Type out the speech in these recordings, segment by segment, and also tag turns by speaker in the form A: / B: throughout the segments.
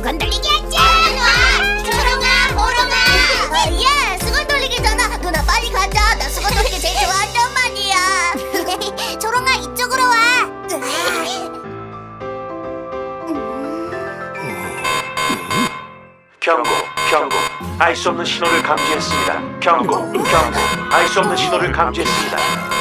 A: 수건 돌리기 하자. 초롱아, 호롱아. 야, 수건 돌리기잖아. 누나 빨리 가자. 나 수건 돌리기 제일 좋아한단 말이야. 초롱아, 이쪽으로 와.
B: 경고, 경고. 알 수 없는 신호를 감지했습니다. 경고, 경고. 알 수 없는 신호를 감지했습니다.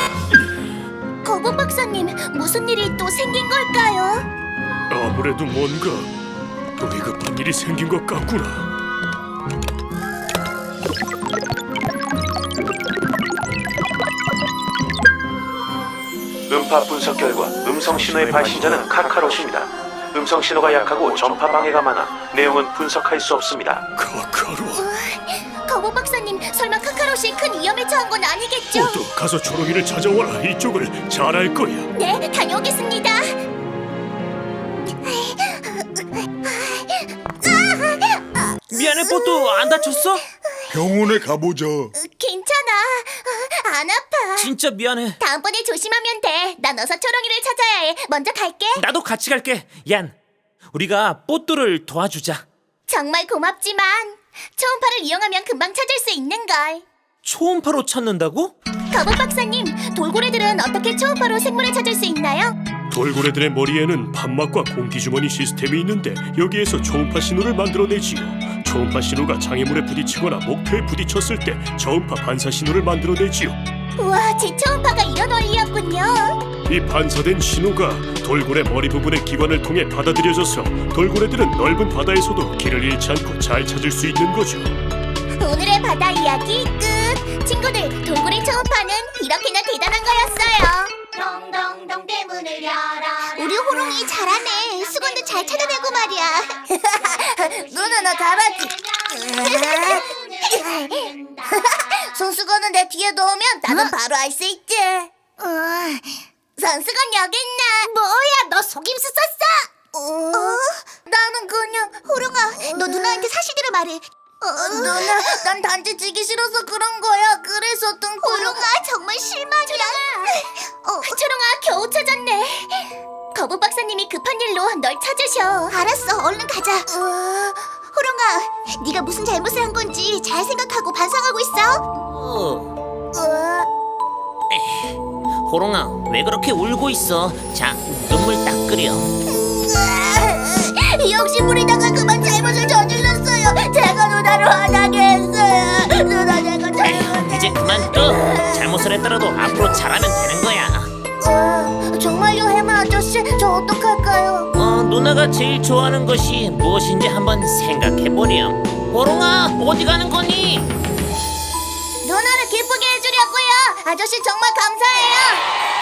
A: 거북 박사님, 무슨 일이 또 생긴 걸까요?
C: 아무래도 뭔가 더 위급한 일이 생긴 것 같구나.
B: 음파 분석 결과 음성 신호의 발신자는 카카롯입니다. 음성 신호가 약하고 전파 방해가 많아 내용은 분석할 수 없습니다.
C: 카카로.
A: 거북 박사님, 설마 카카롯이 큰 위험에 처한 건 아니겠죠?
C: 모두 가서 초롱이를 찾아와라. 이쪽을 잘 알 거야.
A: 네, 다녀오겠습니다.
D: 미안해, 뽀또 안 다쳤어?
E: 병원에 가보자.
A: 괜찮아. 안 아파.
D: 진짜 미안해.
A: 다음번에 조심하면 돼. 난 어서 초롱이를 찾아야 해. 먼저 갈게.
D: 나도 같이 갈게. 얀, 우리가 뽀또를 도와주자.
A: 정말 고맙지만 초음파를 이용하면 금방 찾을 수 있는걸.
D: 초음파로 찾는다고?
A: 거북 박사님, 돌고래들은 어떻게 초음파로 생물을 찾을 수 있나요?
C: 돌고래들의 머리에는 판막과 공기주머니 시스템이 있는데 여기에서 초음파 신호를 만들어내지요. 초음파 신호가 장애물에 부딪히거나 목표에 부딪혔을 때 저음파 반사 신호를 만들어내지요.
A: 우와, 제 초음파가 이런 원리였군요.
C: 이 반사된 신호가 돌고래 머리 부분의 기관을 통해 받아들여져서 돌고래들은 넓은 바다에서도 길을 잃지 않고 잘 찾을 수 있는 거죠.
A: 오늘의 바다 이야기 끝. 친구들, 돌고래 초음파는 이렇게나 대단한 거였어요. 동동동 대문을 열어라. 우리 호롱이 잘하네. 수건도 잘 찾아내고 말이야. 누나 나 잘하지. 손수건은 내 뒤에 놓으면 나는 바로 알 수 있지. 손수건 여기 있나? 뭐야, 너 속임수 썼어? 나는 그냥 호롱아, 너 누나한테 사실대로 말해. 누나, 난 단지 지기 싫어서 그런 거야. 그래서 뜬 호롱아, 정말 실망이야. 초롱아, 겨우 찾았네. 거북 박사님이 급한 일로 널 찾으셔. 알았어, 얼른 가자. 호롱아, 네가 무슨 잘못을 한 건지 잘 생각하고 반성하고 있어.
D: 호롱아, 왜 그렇게 울고 있어? 자, 눈물 딱 끓여.
A: 욕심부리다가 그만 잘못을 저질렀어요. 제가 누나를 화나게 했어요. 누나, 제가 잘못했어요.
D: 이제 그만둬. 잘못을 했더라도 앞으로 잘하면 되는 거야.
A: 정말요, 해마 아저씨? 저 어떡할까요?
D: 누나가 제일 좋아하는 것이 무엇인지 한번 생각해보렴. 호롱아, 어디 가는 거니?
A: 누나를 기쁘게 해주려고요. 아저씨 정말 감사해요.